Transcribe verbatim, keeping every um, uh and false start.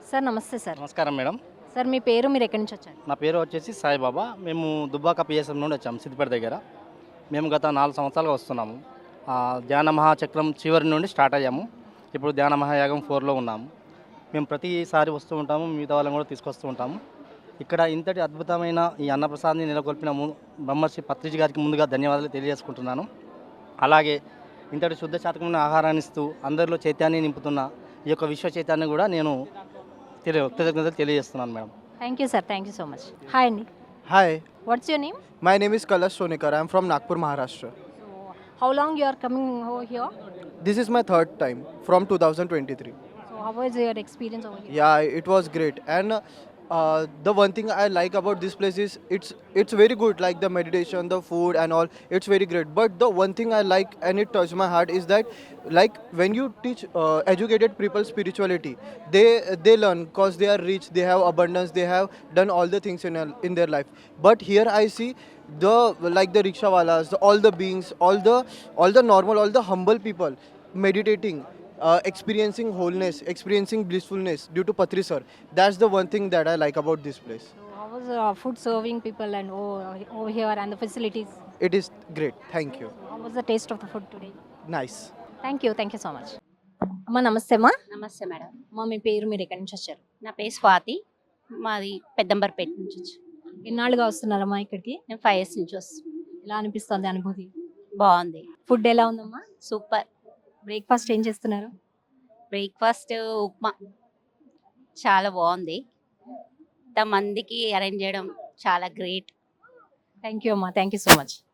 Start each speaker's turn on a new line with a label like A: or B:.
A: Sir నమస్తే sir.
B: నమస్కారం madam.
A: Sir మీ పేరు, మీరు ఎక్కడి నుంచి వచ్చారు?
B: నా పేరు వచ్చేసి సాయిబాబా. మేము దుబ్బాక పిఎస్ఎం నుండి వచ్చాము, సిద్దిపేట దగ్గర. మేము గత నాలుగు సంవత్సరాలుగా వస్తున్నాము. ఆ, ధ్యాన మహాచక్రం చివరి నుండి స్టార్ట్ అయ్యాము. ఇప్పుడు ధ్యాన మహాయాగం ఫోర్లో ఉన్నాము. మేము ప్రతిసారి వస్తూ ఉంటాము, మిగతా వాళ్ళని కూడా తీసుకొస్తూ ఉంటాము. ఇక్కడ ఇంతటి అద్భుతమైన ఈ అన్నప్రసాద్ని నెలకొల్పిన ము- బ్రహ్మర్షి పత్రిజీ గారికి ముందుగా ధన్యవాదాలు తెలియజేసుకుంటున్నాను. అలాగే ఇంతటి శుద్ధ శాతకమైన ఆహారాన్ని ఇస్తూ అందరిలో చైతన్యాన్ని నింపుతున్న ఈ యొక్క విశ్వ చైతన్యం కూడా నేను తెలియ కృతజ్ఞతలు తెలియజేస్తున్నాను madam.
A: Thank you sir, thank you so much. Hi అండి,
C: Hi,
A: what's your name?
C: my name is Kalash Sonekar. I am from Nagpur, Maharashtra.
A: So how long you are coming over here?
C: This is my third time from two thousand twenty-three.
A: So how was your experience over here?
C: Yeah, it was great. And uh, the one thing I like about this place is it's it's very good. Like the meditation, the food, and all. It's very great. But the one thing I like and it touched my heart is that, like when you teach uh, educated people spirituality, they they learn because they are rich, they have abundance, they have done all the things in a- in their life. But here I see the like the rickshawalas, the, all the beings, all the all the normal, all the humble people meditating, uh, experiencing wholeness, experiencing blissfulness due to Patri sir. That's the one thing that I like about this place.
A: So how was food serving people and over here and the facilities?
C: It is great. Thank you.
A: How was the taste of the food today?
C: Nice.
A: Thank you, thank you so much. అమ్మా నమస్తే అమ్మా.
D: నమస్తే madam.
A: అమ్మా మీ పేరు, మీరు ఎక్కడి నుంచి వచ్చారు?
D: నా పేరు స్వాతి. మాది పెద్దంబర్పేట నుంచి వచ్చి
A: ఎన్నాళ్ళుగా వస్తున్నారమ్మా ఇక్కడికి?
D: నేను ఫైవ్ ఇయర్స్ నుంచి వస్తాను.
A: ఎలా అనిపిస్తుంది అనుభూతి?
D: బాగుంది,
A: ఫుడ్ ఎలా ఉందమ్మా?
D: సూపర్.
A: బ్రేక్ఫాస్ట్ ఏం చేస్తున్నారు?
D: బ్రేక్ఫాస్ట్ ఉప్మా చాలా బాగుంది. ఇంతమందికి అరేంజ్ చేయడం చాలా గ్రేట్.
A: థ్యాంక్ యూ అమ్మా, థ్యాంక్ యూ సో మచ్.